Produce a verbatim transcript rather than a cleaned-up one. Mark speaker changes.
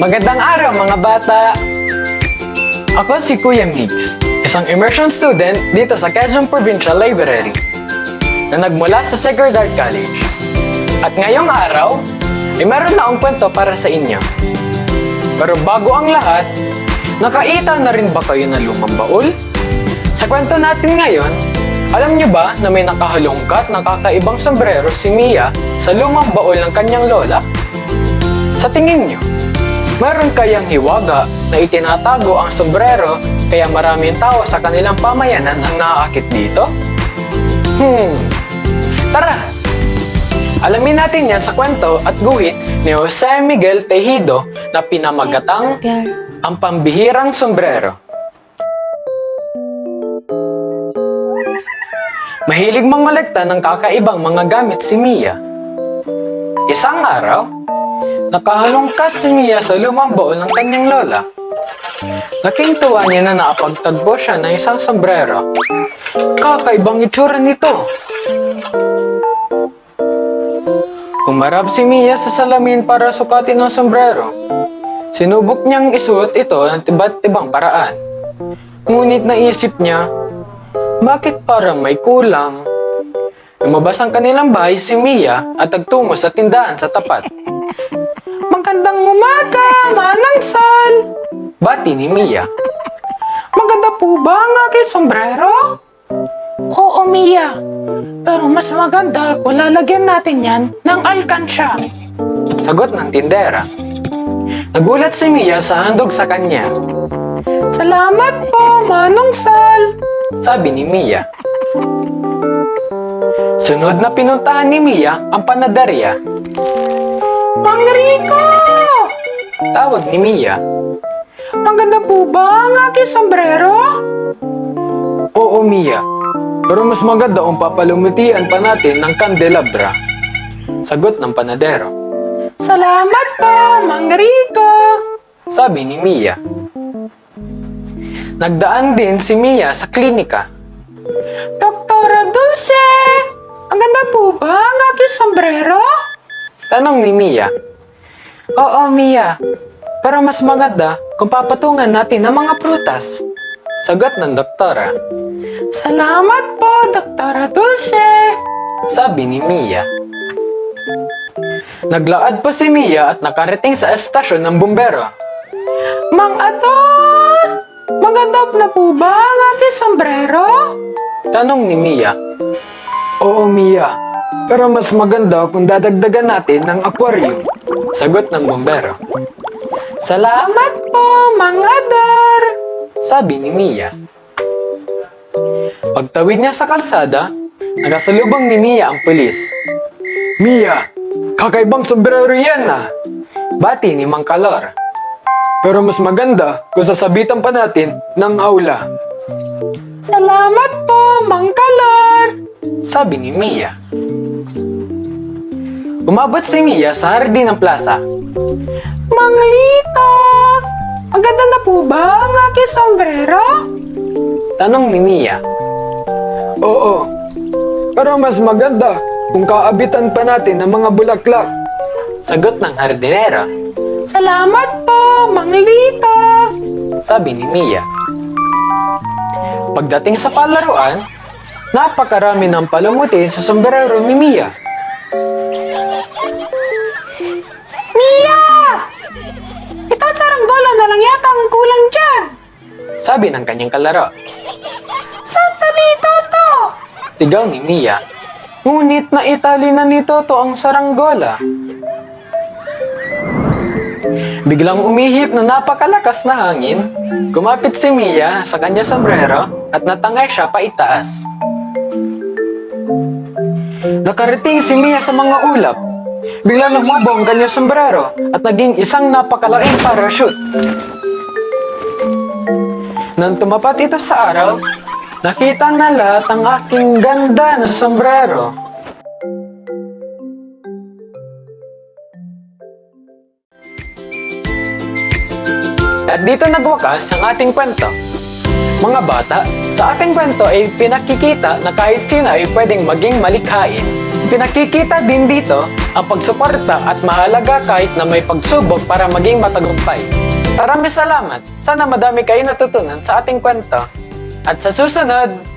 Speaker 1: Magandang araw mga bata! Ako si Kuya Migs, isang immersion student dito sa Quezon Provincial Library na nagmula sa Sacred Heart College. At ngayong araw, ay meron na akong kwento para sa inyo. Pero bago ang lahat, nakaita na rin ba kayo ng lumang baul? Sa kwento natin ngayon, alam niyo ba na may nakahalongkat na kakaibang sombrero si Mia sa lumang baul ng kanyang lola? Sa tingin niyo, meron kayang hiwaga na itinatago ang sombrero kaya maraming tao sa kanilang pamayanan ang naaakit dito? Hmm, tara! Alamin natin yan sa kwento at guhit ni Jose Miguel Tejido na pinamagatang Ang Pambihirang Sombrero. Mahilig mangolekta ng kakaibang mga gamit si Mia. Isang araw, nakahalongkat si Mia sa lumang baul ng kanyang lola. Laking tuwa niya na nakapagtagpo siya ng isang sombrero. Kakaibang itsura nito. Humarap si Mia sa salamin para sukatin ang sombrero. Sinubok niyang isuot ito ng iba't ibang paraan. Ngunit naisip niya, bakit parang may kulang? Lumabas ang kanilang bahay si Mia at nagtungo sa tindahan sa tapat. Magandang umaga, Manang Sal! Bati ni Mia. Maganda po ba ang aking sombrero? Oo, Mia. Pero mas maganda kung lalagyan natin yan ng alkansya. Sagot ng tindera. Nagulat si Mia sa handog sa kanya. Salamat po, Manong Sal! Sabi ni Mia. Sunod na pinuntahan ni Mia ang panaderya. Mang Rico! Tawag ni Mia. Maganda po ba ang aking sombrero? Oo, Mia. Pero mas maganda kung papalumutian pa natin ng kandelabra. Sagot ng panadero. Salamat po, Mang Rico! Sabi ni Mia. Nagdaan din si Mia sa klinika. Doktora Dulce! Ang ganda po ba ang aking sombrero? Tanong ni Mia. Oo, Mia. Pero mas maganda kung papatungan natin ng mga prutas. Sagot ng doktora. Salamat po, Doktora Dulce! Sabi ni Mia. Naglaad pa si Mia at nakarating sa estasyon ng bumbero. Mang Ador! Maganda na po ba ang aking sombrero? Tanong ni Mia. Oo, Mia. Pero mas maganda kung dadagdagan natin ng aquarium. Sagot ng bumbero. Salamat po, Mang Ador! Sabi ni Mia. Pagtawid niya sa kalsada, nakasalubong ni Mia ang pulis. Mia, kakaibang sombrero yan ah! Bati ni Mang Kalor. Pero mas maganda kung sasabitan pa natin ng aula. Salamat po, Mang Kalor! Sabi ni Mia. Umabot si Mia sa hardin ng plaza. Mang Lito! Maganda na po ba ang aking sombrero? Tanong ni Mia. Oo, pero mas maganda kung kaabitan pa natin ng mga bulaklak. Sagot ng hardinera. Salamat po, Mang Lito! Sabi ni Mia. Pagdating sa palaruan, napakarami ng palamuti sa sombrero ni Mia. Mia! Ito saranggola na lang yata ang kulang dyan. Sabi ng kanyang kalaro. Sandali, Toto! Sigaw ni Mia. Ngunit naitali na ni Toto ang saranggola. Biglang umihip na napakalakas na hangin. Kumapit si Mia sa kanyang sombrero at natangay siya paitaas. Nakarating si Mia sa mga ulap. Biglang lumabo ang kanyang sombrero at naging isang napakalaking parachute. Nang tumapat ito sa araw, nakita na lahat ang aking ganda na sombrero. At dito nagwakas ang ating kwento. Mga bata, sa ating kwento ay pinakikita na kahit sino ay pwedeng maging malikhain. Pinakikita din dito ang pagsuporta at mahalaga kahit na may pagsubok para maging matagumpay. Maraming salamat. Sana madami kayo natutunan sa ating kwento. At sa susunod,